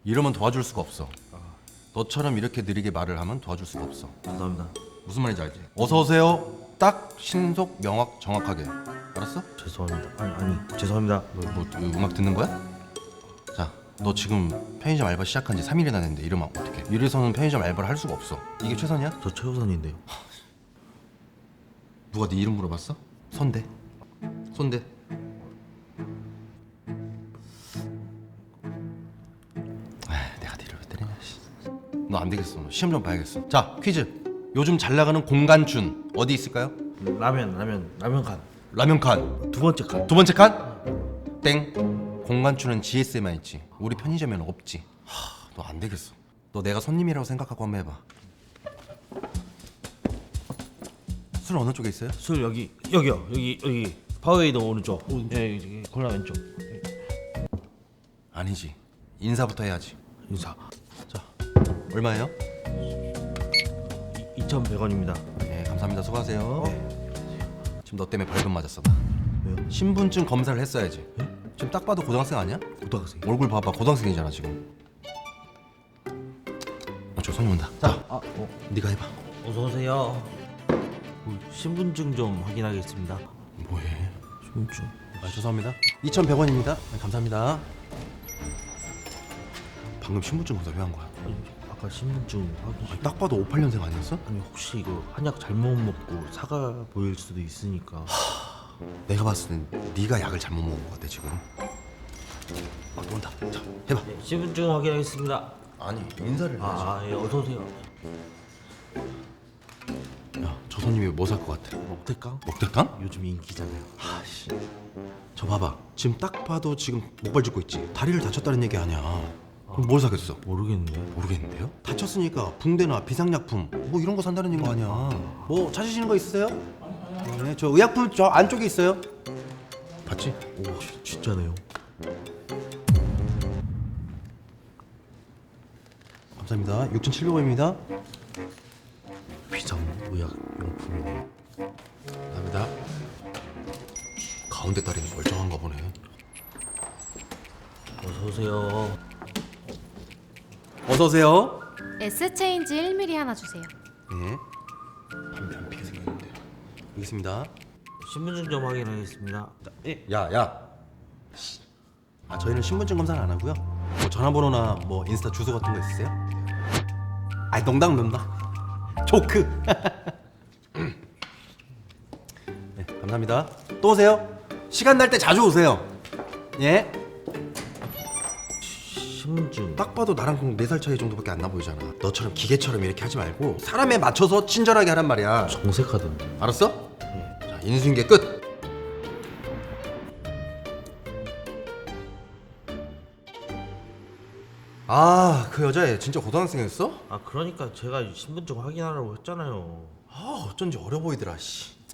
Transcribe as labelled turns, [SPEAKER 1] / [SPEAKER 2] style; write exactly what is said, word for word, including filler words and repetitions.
[SPEAKER 1] 이러면 도와줄 수가 없어. 너처럼 이렇게 느리게 말을 하면 도와줄 수가 없어.
[SPEAKER 2] 감사합니다.
[SPEAKER 1] 무슨 말인지 알지? 어서 오세요. 딱 신속 명확 정확하게. 알았어?
[SPEAKER 2] 죄송합니다. 아니 아니 죄송합니다.
[SPEAKER 1] 뭐, 뭐 음악 듣는 거야? 자, 너 지금 편의점 알바 시작한 지 삼 일이나 됐는데 이러면 어떡해? 이래서는 편의점 알바를 할 수가 없어. 이게 최선이야?
[SPEAKER 2] 저 최우선인데요.
[SPEAKER 1] 누가 네 이름 물어봤어? 손대. 손대. 아, 내가 니를 왜 때리냐. 너 안 되겠어. 너 시험 좀 봐야겠어. 자, 퀴즈. 요즘 잘 나가는 공간춘 어디 있을까요?
[SPEAKER 2] 라면 라면 라면 간.
[SPEAKER 1] 라면 칸.
[SPEAKER 2] 두 번째 간.
[SPEAKER 1] 두 번째 칸? 땡. 공간추는 지에스에만 있지. 우리 편의점에는 없지. 하, 너 안 되겠어. 너 내가 손님이라고 생각하고 한번 해봐. 술 어느 쪽에 있어요?
[SPEAKER 2] 술 여기 여기요 여기 여기 파워웨이더 오른쪽. 예 여기 콜라 왼쪽.
[SPEAKER 1] 아니지. 인사부터 해야지.
[SPEAKER 2] 인사.
[SPEAKER 1] 자, 얼마예요?
[SPEAKER 2] 이천백 원입니다.
[SPEAKER 1] 네, 감사합니다. 수고하세요. 지금 너 때문에 벌금 맞았어.
[SPEAKER 2] 왜요?
[SPEAKER 1] 신분증 검사를 했어야지. 지금 딱 봐도 고등학생 아니야?
[SPEAKER 2] 고등학생.
[SPEAKER 1] 얼굴 봐봐. 고등학생이잖아 지금. 아, 저 손님 온다. 자,
[SPEAKER 2] 아 어.
[SPEAKER 1] 네가 해봐.
[SPEAKER 2] 어서 오세요. 어, 신분증 좀 확인하겠습니다.
[SPEAKER 1] 뭐해?
[SPEAKER 2] 신분증.
[SPEAKER 1] 아, 죄송합니다. 이천백 원입니다. 네, 감사합니다. 방금 신분증 검사 왜 한 거야?
[SPEAKER 2] 아니, 아까 신분증 확인.
[SPEAKER 1] 아니, 딱 봐도 오십팔 년생 아니었어?
[SPEAKER 2] 아니 혹시 이거 한약 잘못 먹고 사가 보일 수도 있으니까.
[SPEAKER 1] 내가 봤을 땐 네가 약을 잘못 먹은 것 같아 지금. 아, 또 온다. 자, 해봐.
[SPEAKER 2] 네, 신분증 확인하겠습니다.
[SPEAKER 1] 아니, 인사를 해야지.
[SPEAKER 2] 아, 예, 어서 오세요.
[SPEAKER 1] 야, 저 손님이 뭐 살 것 같아?
[SPEAKER 2] 먹태깡?
[SPEAKER 1] 먹대탕?
[SPEAKER 2] 요즘 인기잖아요.
[SPEAKER 1] 아씨, 저 봐봐. 지금 딱 봐도 지금 목발 짚고 있지. 다리를 다쳤다는 얘기 아니야. 그럼 뭘 사겠어?
[SPEAKER 2] 모르겠네.
[SPEAKER 1] 모르겠는데요? 다쳤으니까 붕대나 비상약품 뭐 이런 거 산다는 거 아니야. 뭐 찾으시는 거 있으세요? 네, 저 의약품 저 안쪽에 있어요. 봤지?
[SPEAKER 2] 오, 지- 진짜네요.
[SPEAKER 1] 감사합니다. 육천칠백 원입니다.
[SPEAKER 2] 비상 의약 용품이네.
[SPEAKER 1] 감사합니다. 가운데 다리는 멀쩡한가 보네.
[SPEAKER 2] 어서 오세요.
[SPEAKER 1] 어서 오세요.
[SPEAKER 3] S체인지 일 밀리리터 하나 주세요.
[SPEAKER 1] 네. 담배 안 피게 생겼는데. 여기 있습니다.
[SPEAKER 2] 신분증 좀 확인하겠습니다.
[SPEAKER 1] 예. 야, 야. 씨. 아, 저희는 신분증 검사는 안 하고요. 뭐 전화번호나 뭐 인스타 주소 같은 거 있으세요? 아, 농담 농담. 조크. 네, 감사합니다. 또 오세요. 시간 날 때 자주 오세요. 예.
[SPEAKER 2] 신분증.
[SPEAKER 1] 딱 봐도 나랑 네 살 차이 정도밖에 안 나 보이잖아. 너처럼 기계처럼 이렇게 하지 말고 사람에 맞춰서 친절하게 하란 말이야.
[SPEAKER 2] 정색하던데.
[SPEAKER 1] 알았어? 자, 인수인계 끝. 아, 그 여자애 진짜 고등학생이었어?
[SPEAKER 2] 아 그러니까 제가 신분증 확인하라고 했잖아요.
[SPEAKER 1] 아, 어쩐지 어려 보이더라. 씨.